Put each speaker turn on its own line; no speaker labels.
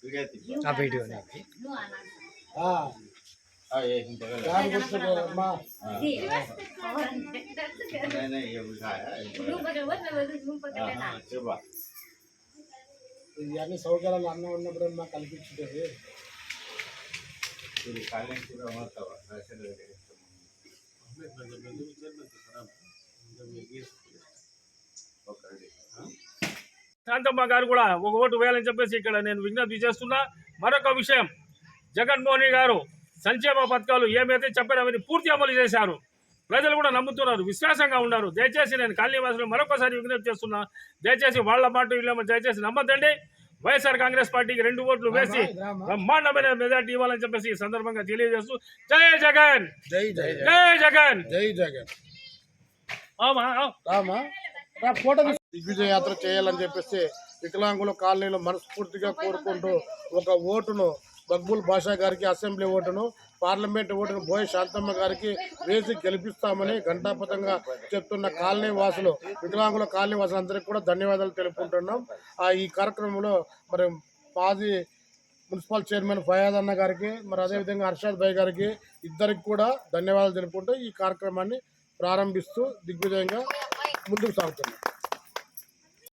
Video
ఇవన్నీ సౌకర్యాలు అన్న ఉన్నప్పుడు మాకు కల్పించుంటుంది.
శాంతమ్మ గారు కూడా ఒక ఓటు వేయాలని చెప్పేసి ఇక్కడ నేను విజ్ఞప్తి చేస్తున్నా. మరొక విషయం, జగన్మోహన్ గారు సంక్షేమ పథకాలు ఏమైతే చెప్పారో అవన్నీ పూర్తి అమలు చేశారు. ప్రజలు కూడా నమ్ముతున్నారు, విశ్వాసంగా ఉన్నారు. దయచేసి నేను కాలనీవాసులు మరొకసారి విజ్ఞప్తి చేస్తున్నా, దయచేసి వాళ్ళ మాట వీళ్ళ దయచేసి నమ్మద్దండి. వైఎస్ఆర్ కాంగ్రెస్ పార్టీకి 2 ఓట్లు వేసి బ్రహ్మాండమైన మెజార్టీ ఇవ్వాలని చెప్పేసి ఈ సందర్భంగా తెలియజేస్తూ జై జగన్, జై జగన్, జై జగన్.
దిగ్విజయ యాత్ర చేయాలని చెప్పేసి వికలాంగుల కాలనీలో మనస్ఫూర్తిగా కోరుకుంటూ ఒక ఓటును మక్బూల్ బాషా గారికి, అసెంబ్లీ ఓటును, పార్లమెంట్ ఓటును బోయ శాంతమ్మ గారికి వేసి గెలిపిస్తామని ఘంటాపథంగా చెప్తున్న కాలనీ వాసులు, వికలాంగుల కాలనీ వాసులు అందరికీ కూడా ధన్యవాదాలు తెలుపుకుంటున్నాం. ఈ కార్యక్రమంలో మరి మాజీ మున్సిపల్ చైర్మన్ ఫయాజ్ అన్న గారికి, మరి అదేవిధంగా అర్షాద్ భాయ్ గారికి ఇద్దరికి కూడా ధన్యవాదాలు తెలుపుకుంటూ ఈ కార్యక్రమాన్ని ప్రారంభిస్తూ దిగ్విజయంగా ముందుకు సాగుతున్నాం.